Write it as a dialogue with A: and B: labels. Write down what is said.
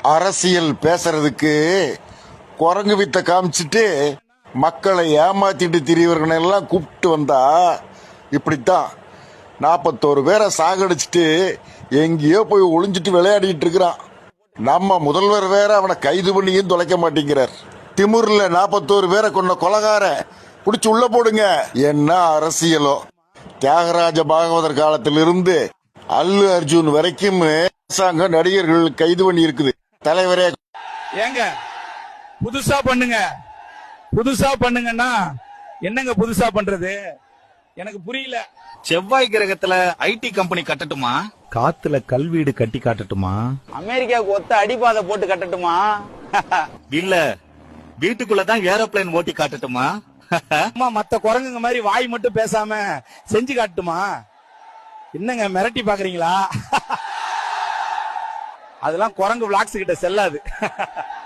A: அரசியல் பேசுறதுக்கு குரங்கு வித்த காமிச்சிட்டு மக்களை ஏமாத்திட்டு திரியவர்களெல்லாம் கூப்பிட்டு வந்தா இப்படித்தான் 41 பேரை சாகடிச்சிட்டு எங்கேயோ போய் ஒளிஞ்சிட்டு விளையாடிட்டு இருக்கிறான். நம்ம முதல்வர் வேற அவனை கைது பண்ணியும் தொலைக்க மாட்டேங்கிறார். திமுர்ல 41 பேரை கொண்ட கொலகார பிடிச்சு உள்ள போடுங்க. என்ன அரசியலோ! தியாகராஜ பாகவதர் காலத்திலிருந்து அல்லு அர்ஜுன் வரைக்கும் அரசாங்க நடிகர்கள் கைது பண்ணி இருக்குது. தலைவரே
B: ஏங்க புதுசா பண்ணுங்க, புதுசா பண்ணுங்கன்னா என்னங்க புதுசா பண்றது? எனக்கு புரியல.
C: செவ்வாய் கிரகத்துல ஐடி கம்பெனி கட்டட்டுமா?
D: காத்துல கல்வீடு கட்டி காட்டட்டுமா?
E: அமெரிக்காவுக்கு ஒத்த அடிபாதை போட்டு கட்டட்டுமா?
C: இல்ல வீட்டுக்குள்ளதான் ஏரோப்ளேன் ஓட்டி காட்டட்டுமா?
B: மத்த குரங்குங்க மாதிரி வாய் மட்டும் பேசாம செஞ்சு காட்டுமா? என்னங்க மிரட்டி பாக்குறீங்களா? அதெல்லாம் குரங்கு விளாக்ஸ் கிட்ட செல்லாது.